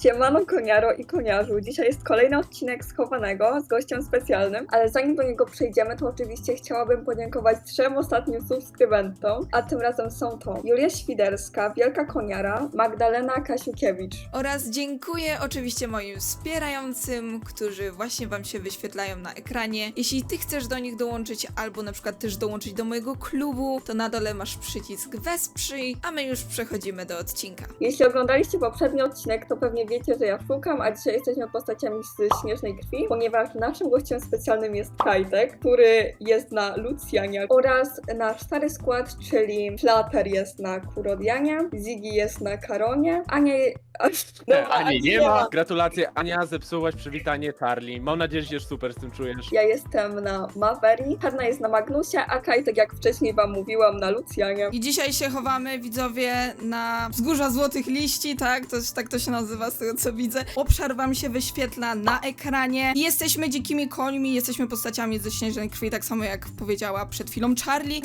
Siemano koniaro i koniarzu, dzisiaj jest kolejny odcinek Schowanego z gościem specjalnym, ale zanim do niego przejdziemy, to oczywiście chciałabym podziękować 3 ostatnim subskrybentom, a tym razem są to Julia Świderska, Wielka Koniara, Magdalena Kasiukiewicz. Oraz dziękuję oczywiście moim wspierającym, którzy właśnie wam się wyświetlają na ekranie. Jeśli ty chcesz do nich dołączyć, albo na przykład też dołączyć do mojego klubu, to na dole masz przycisk Wesprzyj, a my już przechodzimy do odcinka. Jeśli oglądaliście poprzedni odcinek, to pewnie wiecie, że ja szukam, a dzisiaj jesteśmy postaciami z Śnieżnej Krwi, ponieważ naszym gościem specjalnym jest Kajtek, który jest na Lucjanie, oraz nasz stary skład, czyli Flater jest na Kurodianie, Ziggy jest na Karonie, Ania... Ani nie ma. Gratulacje, Ania, zepsułaś przywitanie Charlie. Mam nadzieję, że się super z tym czujesz. Ja jestem na Maveri, Hanna jest na Magnusie, a Kajtek, jak wcześniej wam mówiłam, na Lucjanie. I dzisiaj się chowamy, widzowie, na wzgórza Złotych Liści, tak? Tak to się nazywa z tego, co widzę. Obszar wam się wyświetla na ekranie. Jesteśmy dzikimi końmi, jesteśmy postaciami ze Śnieżnej Krwi, tak samo jak powiedziała przed chwilą Charlie.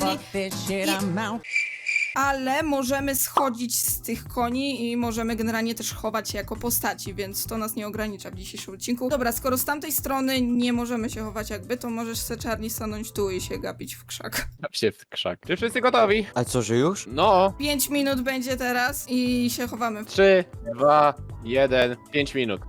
Ale możemy schodzić z tych koni i możemy generalnie też chować się jako postaci, więc to nas nie ogranicza w dzisiejszym odcinku. Dobra, skoro z tamtej strony nie możemy się chować jakby, to możesz se, Charlie, stanąć tu i się gapić w krzak. Tam się w krzak. Czy wszyscy gotowi? A co, że już? No. 5 minut będzie teraz i się chowamy. 3, 2, 1, 5 minut.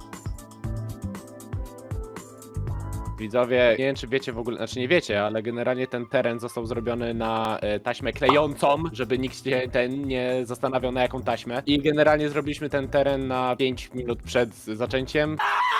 Widzowie, nie wiem czy wiecie w ogóle, znaczy nie wiecie, ale generalnie ten teren został zrobiony na taśmę klejącą, żeby nikt się nie zastanawiał na jaką taśmę. I generalnie zrobiliśmy ten teren na 5 minut przed zaczęciem.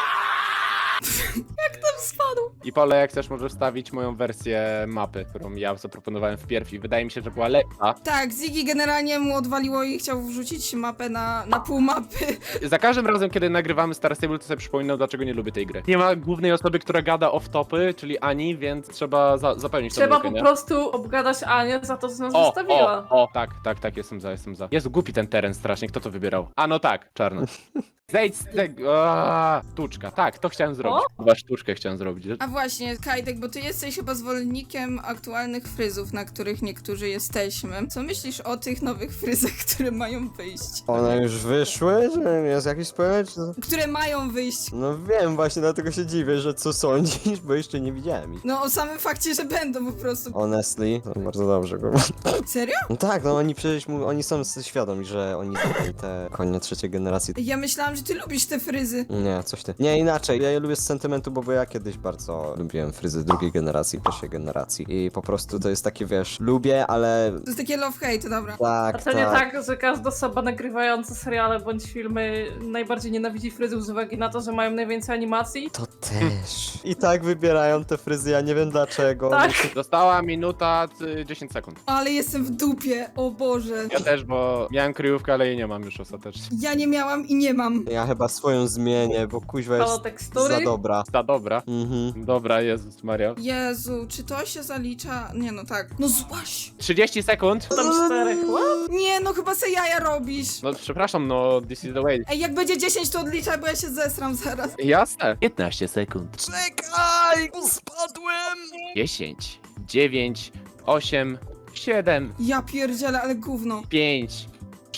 Tam spadł. I Pole, jak chcesz, możesz wstawić moją wersję mapy, którą ja zaproponowałem wpierw i wydaje mi się, że była lepsza. Tak, Ziggy generalnie mu odwaliło i chciał wrzucić mapę na pół mapy. Za każdym razem, kiedy nagrywamy Star Stable, to sobie przypominam, dlaczego nie lubię tej gry. Nie ma głównej osoby, która gada off-topy, czyli Ani, więc trzeba zapełnić tą Trzeba lukę, po nie? prostu obgadać Anię za to, co nas zostawiła. Tak, jestem za. Jest głupi ten teren strasznie, kto to wybierał? A no tak, czarno. Zejdź z tego, sztuczka, tak, to chciałem zrobić. Chyba sztuczkę chciałem zrobić. A właśnie, Kajtek, bo ty jesteś chyba zwolennikiem aktualnych fryzów, na których niektórzy jesteśmy. Co myślisz o tych nowych fryzach, które mają wyjść? One już wyszły? Że jest jakiś spoiler? Czy... Które mają wyjść? No wiem, właśnie dlatego się dziwię, że co sądzisz, bo jeszcze nie widziałem ich. No o samym fakcie, że będą po prostu. Honestly, to bardzo dobrze go. Serio? No tak, no oni przecież oni są świadomi, że oni zrobili te konie trzeciej generacji. Ja myślałam, że ty lubisz te fryzy. Nie, coś ty. Nie, inaczej. Ja je lubię z sentymentu, bo ja kiedyś bardzo lubiłem fryzy drugiej generacji, pierwszej generacji. I po prostu to jest takie, wiesz, lubię, ale... To jest takie love-hate, dobra. Tak, A to nie tak, że każda osoba nagrywająca seriale bądź filmy najbardziej nienawidzi fryzów z uwagi na to, że mają najwięcej animacji? To też. I tak wybierają te fryzy, ja nie wiem dlaczego. Tak. Została minuta 10 sekund. Ale jestem w dupie, o Boże. Ja też, bo miałem kryjówkę, ale jej nie mam już ostatecznie. Ja nie miałam i nie mam. Ja chyba swoją zmienię, bo kuźwa Halo, jest tekstury? za dobra. Ta dobra. Mhm. Dobra, Jezus Maria. Jezu, czy to się zalicza? Nie, no tak. No złaś. 30 sekund. Tam 4, what? Nie, no chyba se jaja robisz. No przepraszam, no this is the way. Ej, jak będzie 10, to odliczaj, bo ja się zesram zaraz. Jasne. 15 sekund. Czekaj, spadłem! 10, 9, 8, 7, Ja pierdzielę, ale gówno. 5,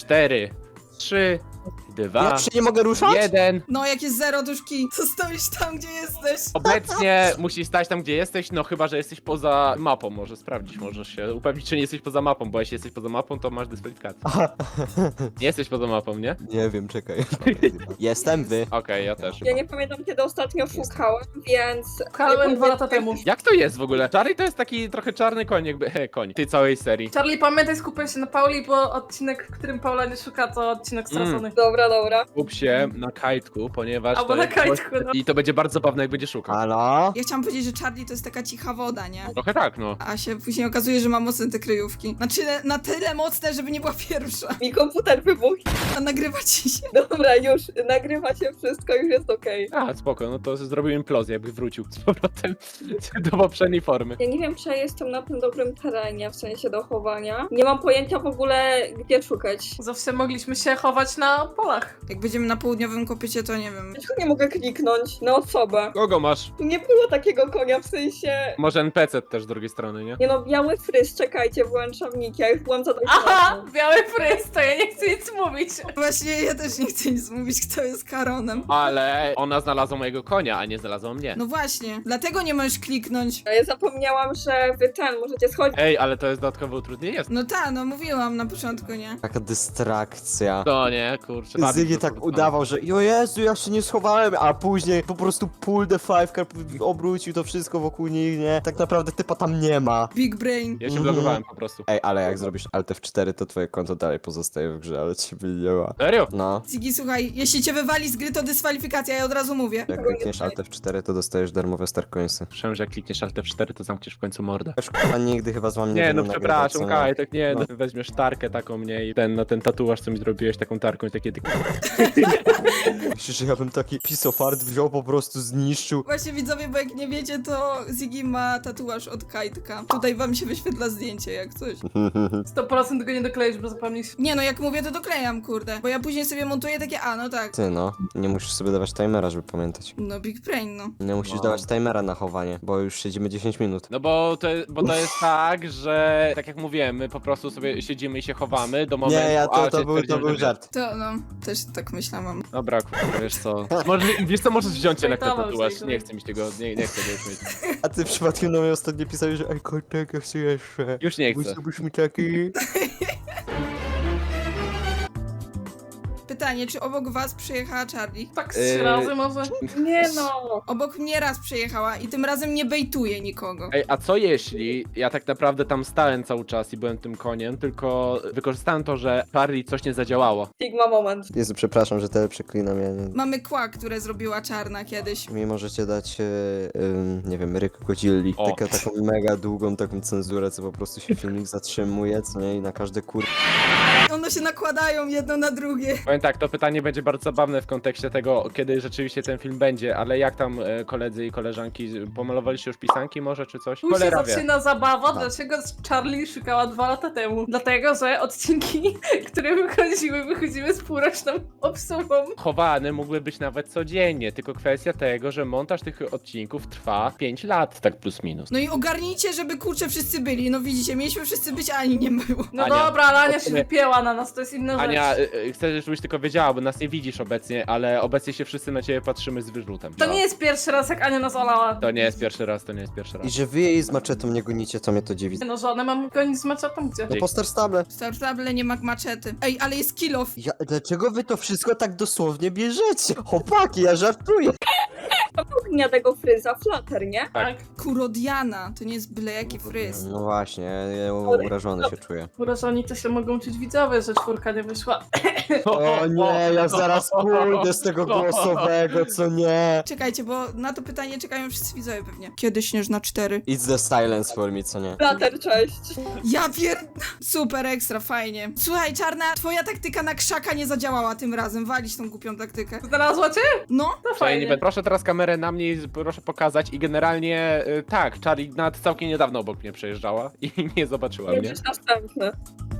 4, 3, 2, Ja się nie mogę ruszać? 1. No, jak jest 0, to już kij. To stoisz tam, gdzie jesteś. Obecnie musisz stać tam, gdzie jesteś, no chyba, że jesteś poza mapą. Może sprawdzić, możesz się upewnić, czy nie jesteś poza mapą, bo jeśli jesteś poza mapą, to masz dyskwalifikację. Nie jesteś poza mapą, nie? Nie wiem, czekaj. Jestem wy. Okej, ja też. Ja nie pamiętam, kiedy ostatnio szukałem, więc... Kałem 2 lata temu. Jak to jest w ogóle? Charlie to jest taki trochę czarny koń, jakby koń tej całej serii. Charlie, pamiętaj, skupiaj się na Pauli, bo odcinek, w którym Paula nie szuka, to odcinek stracony. Dobra. Skup się na kajtku, ponieważ Albo to na jest kajtku, no. I to będzie bardzo zabawne, jak będzie szukał. Halo? Ja chciałam powiedzieć, że Charlie to jest taka cicha woda, nie? Trochę tak, no. A się później okazuje, że ma mocne te kryjówki. Znaczy, na tyle mocne, żeby nie była pierwsza. Mi komputer wybuchł. A nagrywa ci się. Dobra, już nagrywa się wszystko, już jest okej. A, spoko, no to zrobił implozję, jakby wrócił z powrotem do poprzedniej formy. Ja nie wiem, czy ja jestem na tym dobrym terenie, w sensie do chowania. Nie mam pojęcia w ogóle, gdzie szukać. Zawsze mogliśmy się chować na polu. planach. Jak będziemy na południowym kopycie, to nie wiem. Dlaczego nie mogę kliknąć na osobę? Kogo masz? Tu nie było takiego konia, w sensie... Może NPC też z drugiej strony, nie? Nie no, biały fryz, czekajcie, włączam nick, ja już byłam Aha, biały fryz, to ja nie chcę nic mówić. Właśnie ja też nie chcę nic mówić, kto jest Karonem. Ale ona znalazła mojego konia, a nie znalazła mnie. No właśnie, dlatego nie możesz kliknąć. Ja zapomniałam, że wy możecie schodzić. Ej, ale to jest dodatkowe utrudnienie. No ta, no mówiłam na początku, nie? Taka dystrakcja. To nie, kurczę. Zygi tak udawał, że o Jezu, ja się nie schowałem, a później po prostu pull the five card, obrócił to wszystko wokół nich, nie? Tak naprawdę typa tam nie ma. Big brain. Ja się blokowałem po prostu. Ej, ale jak zrobisz Alt F4, to twoje konto dalej pozostaje w grze, ale ciebie nie ma. Serio? No, Ziggy, słuchaj, jeśli cię wywali z gry, to dyskwalifikacja, ja od razu mówię. jak klikniesz Alt F4, to dostajesz darmowe Starcoinsy. Słyszałem, że jak klikniesz Alt F4, to zamkniesz w końcu mordę. Już kurwa nigdy chyba z wami nie Nie, no będę nagrywać, przepraszam, co nie? Kaj, tak nie, No. no. Weźmiesz tarkę taką mnie i ten tatuaż, co mi zrobiłeś, taką tarką i takie... Myślisz, że ja bym taki piece of art wziął, po prostu zniszczył? Właśnie widzowie, bo jak nie wiecie, to Ziggy ma tatuaż od Kajtka. Tutaj wam się wyświetla zdjęcie, jak coś. 100% tego nie dokleisz, bo zapomnisz. Nie no, jak mówię, to doklejam, kurde. Bo ja później sobie montuję takie, no tak. Ty no, nie musisz sobie dawać timera, żeby pamiętać. No big brain, no. Nie musisz No. dawać timera na chowanie, bo już siedzimy 10 minut. No bo to jest tak, że tak jak mówiłem, my po prostu sobie siedzimy i się chowamy do momentu... Nie, a to się był stwierdzimy, że- żart. To no, też tak myślałam. Dobra, kurwa, wiesz co... Wiesz co, możesz wziąć jednak ten Zajtował, tatuaż, zajtował. nie chcę mi tego, nie chcę go mieć. A ty przypadkiem do mnie ostatnio pisałeś, że ej, kotek, ja chcę jeszcze. Już nie chcę. Musiałbyś mi taki... Pytanie, czy obok was przyjechała Charlie? Tak z 3 razy może? Nie no. Obok mnie raz przyjechała i tym razem nie bejtuje nikogo. Ej, a co jeśli ja tak naprawdę tam stałem cały czas i byłem tym koniem, tylko wykorzystałem to, że Charlie coś nie zadziałało. Sigma moment. Jezu, przepraszam, że tyle przeklinam, ja nie... Mamy kła, które zrobiła Czarna kiedyś. Mi możecie dać, nie wiem, Ryk Godzilli. O. Taką mega długą taką cenzurę, co po prostu się filmik zatrzymuje, co nie? I na każde One się nakładają jedno na drugie. Powiem tak, to pytanie będzie bardzo zabawne w kontekście tego, kiedy rzeczywiście ten film będzie, ale jak tam koledzy i koleżanki, pomalowaliście już pisanki może, czy coś? Tu się Cholera wie. zaczyna zabawa, Tak. dlaczego Charlie szukała 2 lata temu. Dlatego, że odcinki, które wychodziły z półroczną obsługą. Chowany mógłby być nawet codziennie, tylko kwestia tego, że montaż tych odcinków trwa 5 lat, tak plus minus. No i ogarnijcie, żeby kurczę wszyscy byli. No widzicie, mieliśmy wszyscy być, a ani nie było. No Ania, dobra, ale Ania się powiedzmy- wypięła na nas, to jest inna Ania, rzecz. chcę, żebyś tylko wiedziała, bo nas nie widzisz obecnie, ale obecnie się wszyscy na ciebie patrzymy z wyrzutem. To nie jest pierwszy raz, jak Ania nas olała. To nie jest pierwszy raz, to nie jest pierwszy raz. I że wy jej z maczetą nie gonicie, to mnie to dziwi. No żonę mam gonić z maczetą, gdzie? No po Star Stable. W Star Stable nie ma maczety. Ej, ale jest kill off. Dlaczego wy to wszystko tak dosłownie bierzecie? Chłopaki, ja żartuję. Ognia tego fryza, flatter, nie? Tak. Kurodiana, to nie jest byle jaki fryz. No właśnie, ja urażony się czuję. Urażoni to się mogą czuć widzowie, że 4 nie wyszła. O nie, ja zaraz pójdę z tego głosowego, co nie? Czekajcie, bo na to pytanie czekają wszyscy widzowie pewnie. Kiedy Śnieżna 4? It's the silence for me, co nie? Flatter, cześć. Ja Super, ekstra, fajnie. Słuchaj, Czarna, twoja taktyka na krzaka nie zadziałała tym razem. Walić tą głupią taktykę. Znalazła cię? No, To Fajnie. fajnie. Proszę teraz kamerę na mnie i proszę pokazać i generalnie tak, Charlie nawet całkiem niedawno obok mnie przejeżdżała i nie zobaczyła mnie. Będziesz następny.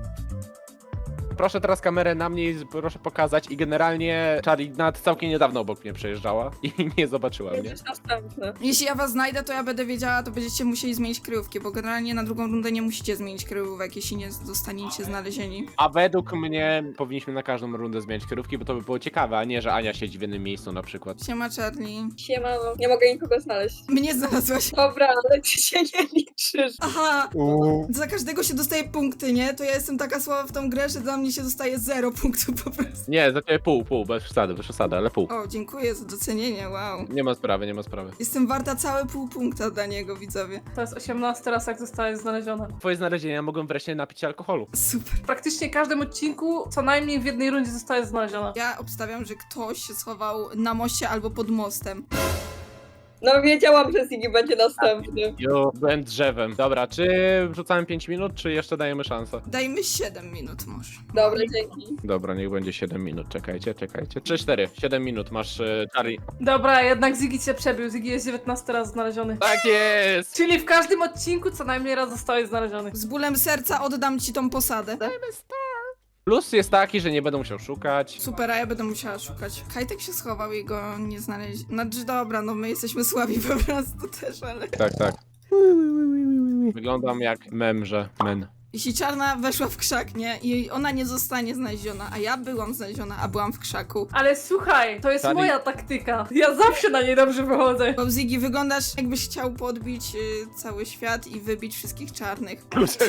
Proszę teraz kamerę na mnie i proszę pokazać i generalnie Charlie nawet całkiem niedawno obok mnie przejeżdżała i nie zobaczyła mnie. Będziesz następny. jeśli ja was znajdę, to ja będę wiedziała, to będziecie musieli zmienić kryjówki, bo generalnie na drugą rundę nie musicie zmienić kryjówek, jeśli nie zostaniecie znalezieni. A według mnie powinniśmy na każdą rundę zmieniać kierówki, bo to by było ciekawe, a nie, że Ania siedzi w jednym miejscu na przykład. Siema, Charlie. Siemano. Nie mogę nikogo znaleźć. Mnie znalazłaś. Dobra, ale ty się nie liczysz. Aha! Za każdego się dostaje punkty, nie? To ja jestem taka słaba w tą grę, że dla mnie się dostaje 0 punktów po prostu. Nie, za ciebie pół, bez przesady, ale pół. O, dziękuję za docenienie, wow. Nie ma sprawy, nie ma sprawy. Jestem warta całe pół punkta dla niego, widzowie. To jest 18 raz, jak zostałeś znaleziona. Twoje znalezienia mogą wreszcie napić się alkoholu. Super. W praktycznie każdym odcinku co najmniej w jednej rundzie zostaje znaleziona. Ja obstawiam, że ktoś się schował na moście albo pod mostem. No wiedziałam, że Ziggy będzie następny. Jo, byłem drzewem. Dobra, czy wrzucamy 5 minut, czy jeszcze dajemy szansę? Dajmy 7 minut może. Dobra, dzięki. Dobra, niech będzie 7 minut, czekajcie. 3-4, 7 minut masz, Charlie. Dobra, jednak Ziggy cię przebił. Ziggy jest 19 raz znaleziony. Tak jest! Czyli w każdym odcinku co najmniej raz zostałeś znaleziony. Z bólem serca oddam ci tą posadę. Plus jest taki, że nie będę musiał szukać. Super, a ja będę musiała szukać. Kajtek się schował i go nie znaleźli. Znaczy dobra, no my jesteśmy słabi po prostu też, ale... Tak, tak. Wyglądam jak memrze. Men. Jeśli czarna weszła w krzak, nie? I ona nie zostanie znaleziona, a ja byłam znaleziona, a byłam w krzaku. Ale słuchaj, to jest Sali- moja taktyka. Ja zawsze na niej dobrze wychodzę. Bo Ziggy, wyglądasz jakbyś chciał podbić cały świat i wybić wszystkich czarnych.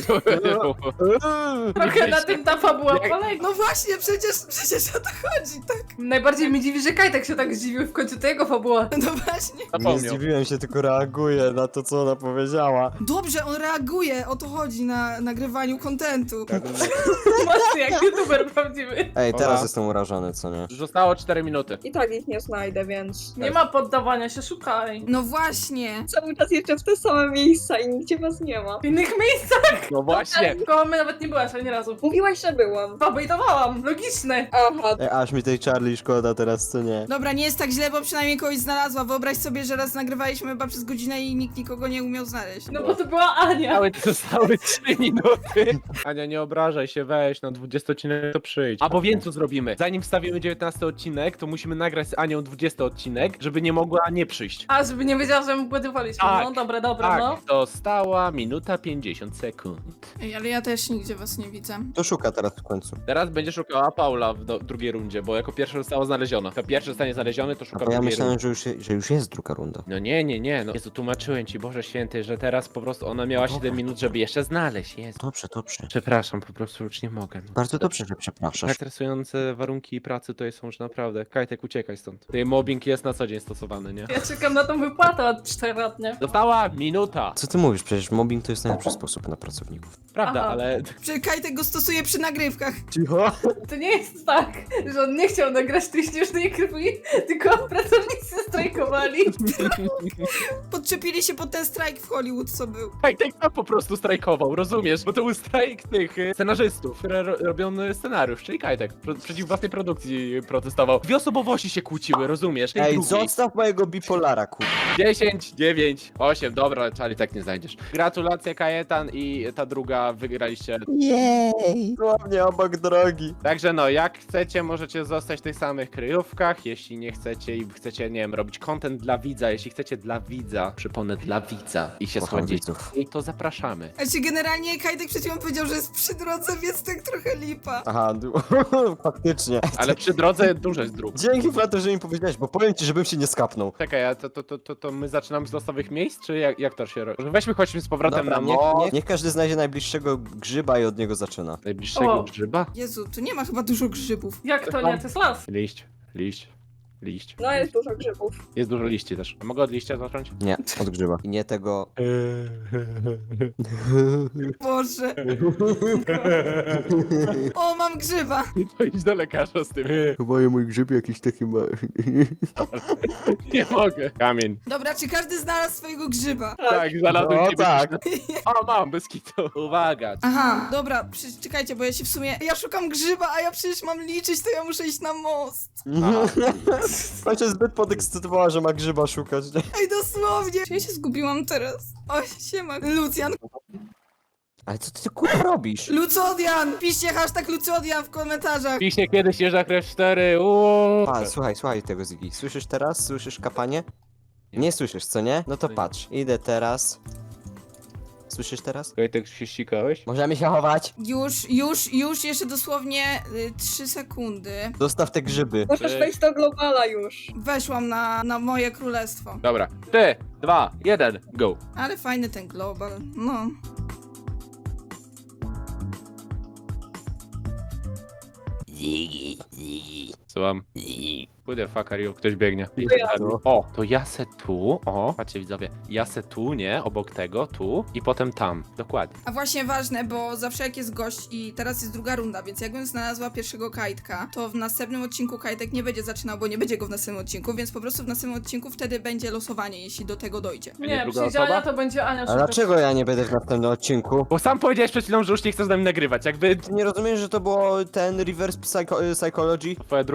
Trochę na tym ta fabuła Jak- polega. No właśnie, przecież o to chodzi, tak? Najbardziej mnie dziwi, że Kajtek się tak zdziwił w końcu to jego fabuła. No właśnie. Nie Zapomniał. zdziwiłem się, tylko reaguję na to, co ona powiedziała. Dobrze, on reaguje, o to chodzi na nagrywaniu kontentu. Mocny jak youtuber prawdziwy. Ej, teraz Ola. jestem urażony, co nie? Zostało 4 minuty. I tak ich nie znajdę, więc Nie ma poddawania się, szukaj. No właśnie. cały czas jeszcze w te same miejsca i nigdzie was nie ma. W innych miejscach. No właśnie. Koło mnie nawet nie byłaś ani razu. Mówiłaś, że byłam. Pobejtowałam, logiczne. Aha, Ej, aż mi tej Charlie szkoda teraz, co nie? Dobra, nie jest tak źle, bo przynajmniej kogoś znalazła. Wyobraź sobie, że raz nagrywaliśmy chyba przez godzinę i nikt nikogo nie umiał znaleźć. No bo to była Ania. Zostały 3 minuty. Ania, nie obrażaj się, weź, na 20 odcinek to przyjdź. Albo wiem co zrobimy. Zanim wstawimy 19 odcinek, to musimy nagrać z Anią 20 odcinek, żeby nie mogła nie przyjść. A, żeby nie wiedziała, że my błędowaliśmy. Tak. No, dobra, no. Tak, została minuta 50 sekund. Ej, ale ja też nigdzie was nie widzę. To szuka teraz w końcu. Teraz będzie szukała Paula w drugiej rundzie, bo jako pierwsza została znaleziona. Jako pierwszy zostanie znaleziony, to A szuka bo ja drugiej myślałem, rundy. że już jest druga runda. No nie. No Jezu, tłumaczyłem ci, Boże Święty, że teraz po prostu ona miała 7 minut, żeby jeszcze znaleźć. Jezu. Dobrze, dobrze. Przepraszam, po prostu już nie mogę. Bardzo dobrze, że przepraszasz. Stresujące warunki pracy to są już naprawdę. Kajtek, uciekaj stąd. Tutaj mobbing jest na co dzień stosowany, nie? Ja czekam na tą wypłatę od 4 lat, nie? Została minuta. Co ty mówisz? Przecież mobbing to jest najlepszy sposób na pracowników. Prawda, Aha. ale Czekaj, tego stosuje przy nagrywkach. Cicho. To nie jest tak, że on nie chciał nagrać tej śnieżnej krwi, tylko pracownicy strajkowali. Podczepili się pod ten strajk w Hollywood, co był. Kajtek tam po prostu strajkował, rozumiesz? Bo to był strajk tych scenarzystów, które robią scenariusz, czyli Kajtek. Przeciw własnej produkcji protestował. Dwie osobowości się kłóciły, rozumiesz? Tej Ej, drugiej. zostaw mojego bipolara, kur... 10, 9, 8, dobra, Charlie tak nie znajdziesz. Gratulacje Kajetan i ta druga wygraliście. Jej! Dosłownie obok drogi. Także no, jak chcecie, możecie zostać w tych samych kryjówkach, jeśli nie chcecie i chcecie, nie wiem, robić content dla widza, jeśli chcecie dla widza, przypomnę, dla widza i się Kocham schodzić, widzów. to zapraszamy. Znaczy generalnie Kajtek przed chwilą powiedział, że jest przy drodze, więc tak trochę lipa. Aha, faktycznie. Ale przy drodze dużo jest dróg. Dzięki Flato, że mi powiedziałeś, bo powiem ci, żebym się nie skapnął. Czekaj, a to my zaczynamy z losowych miejsc, czy jak to się robi? Weźmy, chodźmy z powrotem Dobra, na niech każdy znajdzie najbliższego grzyba i od niego zaczyna. najbliższego O. grzyba. Jezu, tu nie ma chyba dużo grzybów. Jak to nie? To jest las. Liść. no jest dużo grzybów. Jest dużo liści też. Mogę od liścia zacząć? Nie, od grzyba. I nie tego... Boże. O, mam grzyba. To idź do lekarza z tym. Chyba mój grzyb jakiś taki ma... Nie mogę. Kamień. Dobra, czy każdy znalazł swojego grzyba? Tak, znalazłem No ciebie. tak. O, mam, bez kitu. Uwaga. Aha, dobra, czekajcie, bo ja się w sumie... Ja szukam grzyba, a ja przecież mam liczyć, to ja muszę iść na most. Pan się zbyt podekscytowała, że ma grzyba szukać, nie? Ej, dosłownie. Ja się zgubiłam teraz. O, siema. Lucjan. Ale co ty kurwa robisz? Lucodian! Piszcie hashtag Lucodian w komentarzach. Piśnie kiedyś jeżdża krew 4. Uuu. A, słuchaj tego Ziggy. Słyszysz teraz? Słyszysz kapanie? Nie słyszysz, co nie? No to patrz. Idę teraz. Słyszysz teraz? Kajtek, się ścikałeś? Możemy się chować. Już, jeszcze dosłownie 3 sekundy. Zostaw te grzyby. Możesz wejść do globala już. Weszłam na moje królestwo. Dobra. 3, 2, 1, go. Ale fajny ten global, no. Słucham. Who the fuck are you? Ktoś biegnie. ja. O, to ja se tu, o, patrzcie widzowie, ja se tu, nie, obok tego, tu i potem tam, dokładnie. A właśnie ważne, bo zawsze jak jest gość i teraz jest druga runda, więc jakbym znalazła pierwszego Kajtka, to w następnym odcinku Kajtek nie będzie zaczynał, bo nie będzie go w następnym odcinku, więc po prostu w następnym odcinku wtedy będzie losowanie, jeśli do tego dojdzie. nie Nie, druga przyjdzie osoba? Ania, to będzie Ania A szukać. dlaczego ja nie będę w następnym odcinku? Bo sam powiedziałeś przed chwilą, że już nie chcesz z nami nagrywać, jakby Ty nie rozumiesz, że to było ten reverse psychology? twoja druga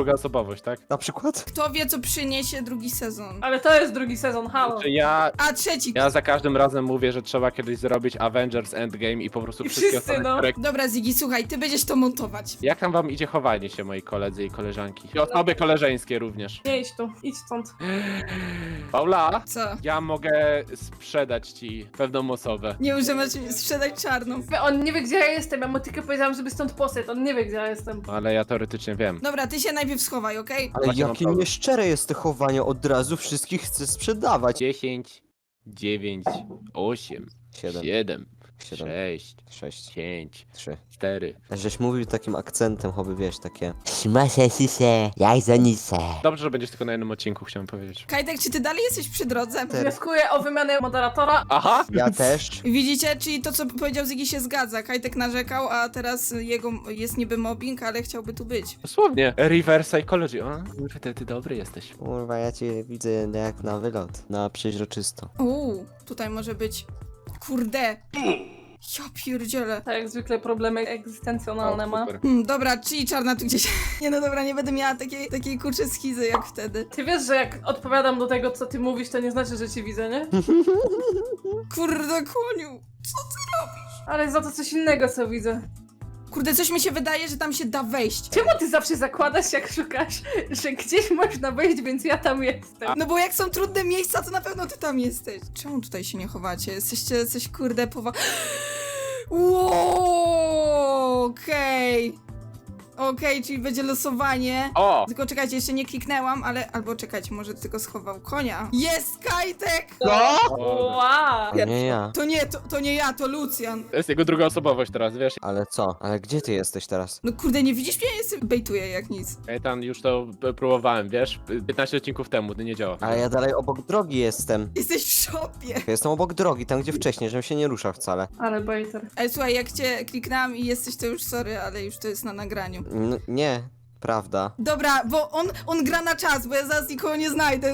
druga osobowość, tak? Na przykład? Kto wie, co przyniesie drugi sezon? Ale to jest drugi sezon, halo. Znaczy A trzeci. ja za każdym razem mówię, że trzeba kiedyś zrobić Avengers Endgame i po prostu I wszystkie wszyscy, osoby, no. które... Dobra, Ziggy, słuchaj, ty będziesz to montować. Jak tam wam idzie chowanie się, moi koledzy i koleżanki? I osoby koleżeńskie również. Nie idź tu, idź stąd. Paula, Co? ja mogę sprzedać ci pewną osobę. Nie używasz sprzedać czarną. On nie wie, gdzie ja jestem, ja mu tylko powiedziałam, żeby stąd poszedł, on nie wie, gdzie ja jestem. Ale ja teoretycznie wiem. Dobra, ty się najpierw schowaj, okej? Ale Właśnie mam jakie problem. nieszczere jest to chowanie, od razu wszystkich chcę sprzedawać. 10, 9, 8, 7, 7, 7, 6, 6, 5, 3. 4. Żeś mówił takim akcentem, choby wiesz, takie... jak za nisę. Dobrze, że będziesz tylko na jednym odcinku, chciałem powiedzieć. Kajtek, czy ty dalej jesteś przy drodze? Wnioskuję o wymianę moderatora. Aha! Ja też. Widzicie, czyli to, co powiedział Ziggy, się zgadza. Kajtek narzekał, a teraz jego jest niby mobbing, ale chciałby tu być. Dosłownie. Reverse psychology. O, kurde, ty dobry jesteś. Kurwa, ja cię widzę jak na wylot. Na przeźroczysto. Tutaj może być... Kurde. Ja pierdzielę. Tak jak zwykle problemy egzystencjonalne ma. super. Dobra, czyli czarna tu gdzieś... Nie no dobra, nie będę miała takiej kurczę schizy jak wtedy. Ty wiesz, że jak odpowiadam do tego, co ty mówisz, to nie znaczy, że cię widzę, nie? Kurde, koniu. Ale za to coś innego, co widzę. Kurde, coś mi się wydaje, że tam się da wejść. Czemu ty zawsze zakładasz, jak szukasz, że gdzieś można wejść, więc ja tam jestem? No bo jak są trudne miejsca, to na pewno ty tam jesteś. Czemu tutaj się nie chowacie? Jesteście coś kurde Wow, okej. Okej, czyli będzie losowanie. O! Tylko czekajcie, jeszcze nie kliknęłam, ale... Albo czekajcie, może tylko schował konia. Jest Kajtek! Wow! Nie ja. To nie ja, to Lucjan. To jest jego druga osobowość teraz, wiesz? Ale co? Ale gdzie ty jesteś teraz? No kurde, nie widzisz mnie? Ja jestem... Bejtuję jak nic. Kajtan, już to próbowałem, wiesz? 15 odcinków temu, to nie działa. Ale ja dalej obok drogi jestem. Jesteś w szopie. Ja jestem obok drogi, tam gdzie wcześniej, żebym się nie ruszał wcale. Ale bejter. Ale słuchaj, jak cię kliknęłam i jesteś, to już sorry, ale już to jest na nagraniu. Nie, prawda. Dobra, bo on gra na czas, bo ja zaraz nikogo nie znajdę.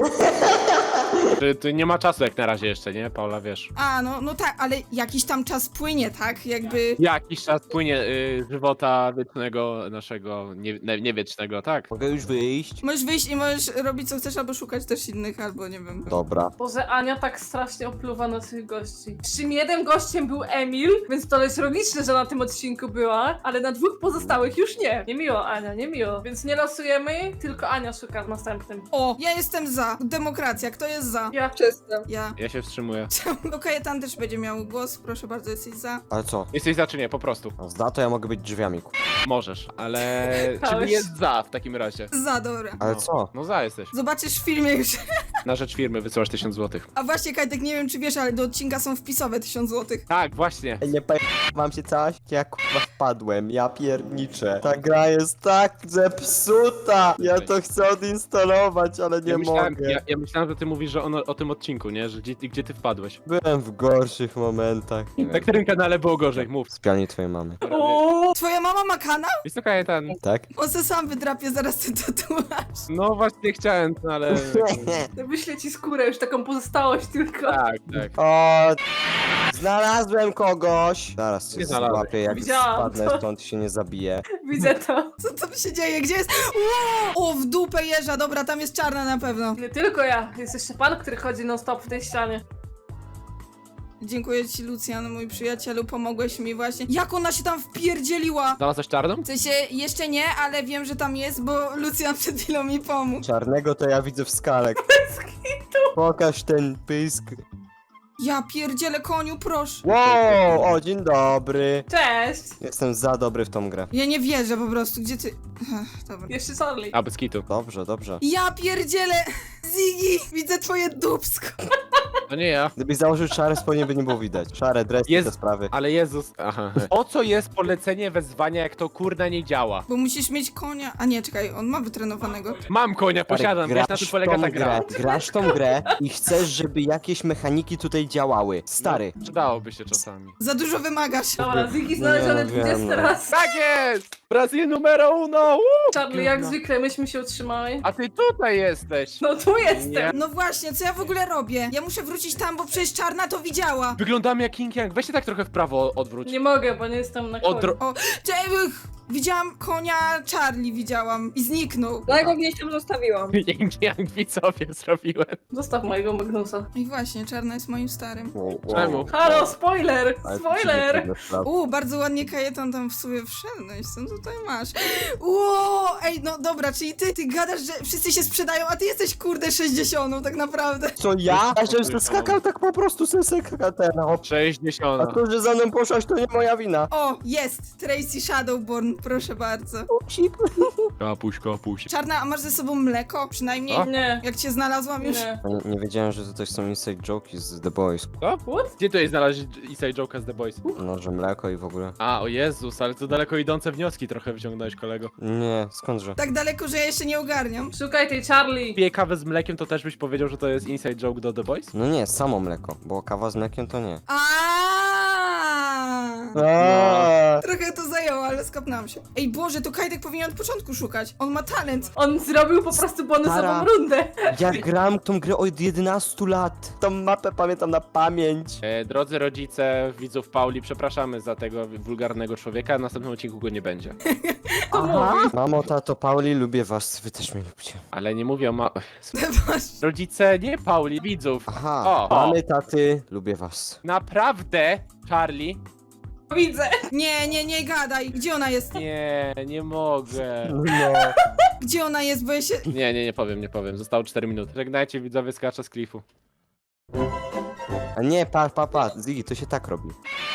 Tu nie ma czasu jak na razie jeszcze, nie? Paula, wiesz. A, no tak, ale jakiś tam czas płynie, tak? Jakby... Jakiś czas płynie żywota wiecznego naszego, nie wiecznego, tak? Mogę już wyjść? Możesz wyjść i możesz robić co chcesz, albo szukać też innych, albo nie wiem. Dobra. Boże, Ania tak strasznie opluwa na tych gości. Przy czym jednym gościem był Emil, więc to jest logiczne, że na tym odcinku była, ale na dwóch pozostałych już nie. Niemiło, Ania, niemiło. Więc nie losujemy, tylko Ania szuka w następnym. O, ja jestem za. Demokracja, kto jest za? Ja. Przestań. Ja. Ja się wstrzymuję. Okej, tam też będzie miał głos, proszę bardzo, jesteś za. Ale co? Jesteś za czy nie? Po prostu. No, za to ja mogę być drzwiami. Możesz, ale czym Chodź. jest za w takim razie? Za, dobra. Ale No. co? No za jesteś. Zobaczysz w filmie już. Na rzecz firmy wysyłasz 1000 złotych. A właśnie, Kajtek, nie wiem czy wiesz, ale do odcinka są wpisowe 1000 złotych. Tak, właśnie. Nie wam się coś? Ja kurwa wpadłem, ja pierniczę. Ta gra jest tak zepsuta! Ja to chcę odinstalować, ale nie mogę. Ja myślałem, że ty mówisz, że o tym odcinku, nie? Że gdzie ty wpadłeś. Byłem w gorszych momentach. Nie Na wiem. którym kanale było gorzej? Mów. W pianie twojej mamy. O! Twoja mama ma kanał? Jest to Kajetan. Tak? On se sam wydrapie zaraz ten tatuaż. No właśnie chciałem, no ale... Wyślę ci skórę, już taką pozostałość tylko. tak, tak. O, znalazłem kogoś! Zaraz cię Nie znalazłeś. złapię, jak Widziałam spadnę to. stąd się nie zabiję. Widzę to. Co tam się dzieje? Gdzie jest? Wow! O, w dupę jeża, dobra, tam jest czarna na pewno. Nie tylko ja, jest jeszcze pan, który chodzi non stop w tej ścianie. Dziękuję ci, Lucjan, mój przyjacielu, pomogłeś mi właśnie. Jak ona się tam wpierdzieliła? Znalazłeś czarną? W sensie, jeszcze nie, ale wiem, że tam jest, bo Lucjan przed chwilą mi pomógł. Czarnego to ja widzę w skale. Pokaż ten pysk. Ja pierdzielę koniu, proszę. Wow, o dzień dobry. Cześć! Jestem za dobry w tą grę. Ja nie wierzę po prostu, gdzie ty... Dobra. Jeszcze Sorli. A, bez kitu. Dobrze, dobrze. Ja pierdzielę! Ziggy, widzę twoje dupsko. To nie ja. Gdybyś założył szare spodnie, by nie było widać. Szare dres, Jest- te sprawy. Ale Jezus... Aha. Po co jest polecenie wezwania, jak to kurna nie działa? Bo musisz mieć konia. A nie, czekaj, on ma wytrenowanego. Mam konia, posiadam, wiesz na czym polega ta gra. Grasz tą grę i chcesz, żeby jakieś mechaniki tutaj działały. Stary. Przydałoby się czasami. Za dużo wymagasz. Dobra, Ziggy znaleziony Nie wiem, 20 no. raz. Tak jest! Brazil numero uno! Charlie, jak zwykle, myśmy się utrzymali. A ty tutaj jesteś! No tu jestem! Nie. No właśnie, co ja w ogóle robię? Ja muszę wrócić tam, bo przecież czarna to widziała. Wyglądamy jak King Yang. Weź się tak trochę w prawo odwróć. Nie mogę, bo nie jestem na koniu. Odro... O, cześć! Widziałam konia Charlie, widziałam i zniknął. No ja go gdzieś tam zostawiłam. Dzięki jak widzowie zrobiłem. Zostaw mojego Magnusa. I właśnie, Czarna jest moim starym. Czemu? Halo, spoiler! Ale Spoiler! Bardzo ładnie Kajetan tam w sobie wszedłeś, co tutaj masz? Ej, no dobra, czyli ty gadasz, że wszyscy się sprzedają, a ty jesteś kurde 60 tak naprawdę. Co ja? Ja żebym skakał tak po prostu skakał ten. A 60. to, że za mną poszłaś, to nie moja wina. O, jest! Tracy Shadowborn, proszę bardzo. Upsik. Kapuś. Czarna, a masz ze sobą mleko? Przynajmniej O. Nie. jak cię znalazłam już. Nie. Nie wiedziałem, że tutaj są inside joke'i z The Boys. Co? What? Gdzie tutaj znaleźć inside joke'a z The Boys? No, że mleko i w ogóle. A, o Jezus, ale to daleko idące wnioski trochę wyciągnąłeś, kolego. Nie, skądże? Tak daleko, że ja jeszcze nie ogarniam. Szukaj tej Charlie. Piję kawę z mlekiem, to też byś powiedział, że to jest inside joke do The Boys? No nie, samo mleko, bo kawa z mlekiem to nie. Trochę to zajęło, ale skapnąłem się. Ej Boże, to Kajtek powinien od początku szukać. On ma talent. On zrobił po prostu bonusową Stara. rundę. Ja gram tą grę od 11 lat. Tą mapę pamiętam na pamięć. Drodzy rodzice widzów Pauli, przepraszamy za tego wulgarnego człowieka, w następnym odcinku go nie będzie. Aha. Mamo, tato, Pauli, lubię was, wy też mnie lubicie. Ale nie mówię o Boże. Rodzice, nie Pauli, widzów. Aha, O. mamy, taty, lubię was. Naprawdę, Charlie? Widzę. Nie gadaj. Gdzie ona jest? Nie mogę. No. Gdzie ona jest, bo ja się... Nie powiem. Zostało 4 minuty. Żegnajcie widzowie, skacza z klifu. A nie, pa, Ziggy, to się tak robi.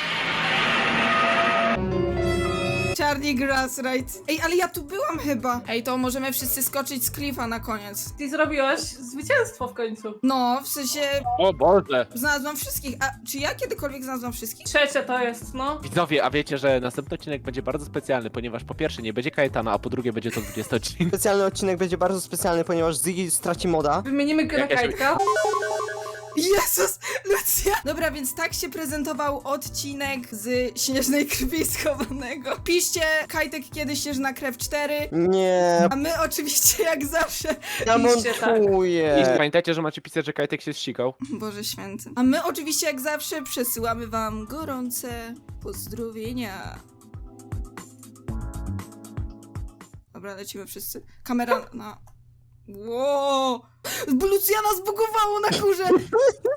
Charlie Grassright. Ej, ale ja tu byłam chyba. Ej, to możemy wszyscy skoczyć z klifa na koniec. Ty zrobiłaś zwycięstwo w końcu. No, w sensie O Boże! znalazłam wszystkich. A czy ja kiedykolwiek znalazłam wszystkich? Trzecie to jest, no. Widzowie, a wiecie, że następny odcinek będzie bardzo specjalny, ponieważ po pierwsze nie będzie Kajetana, a po drugie będzie to 20 odcinek. Specjalny odcinek będzie bardzo specjalny, ponieważ Ziggy straci moda. Wymienimy go na Jak ja się- Kajtka. Jezus, Lucja! Dobra, więc tak się prezentował odcinek z Śnieżnej Krwi Schowanego. Piszcie Kajtek kiedy Śnieżna Krew 4, Nie, a my oczywiście jak zawsze... ja Piszcie tak. I montuję. pamiętajcie, że macie pisać, że Kajtek się zsikał. Boże święty. A my oczywiście jak zawsze przesyłamy wam gorące pozdrowienia. Dobra, lecimy wszyscy. Kamera na... Wow! Luciana zbugowało na górze!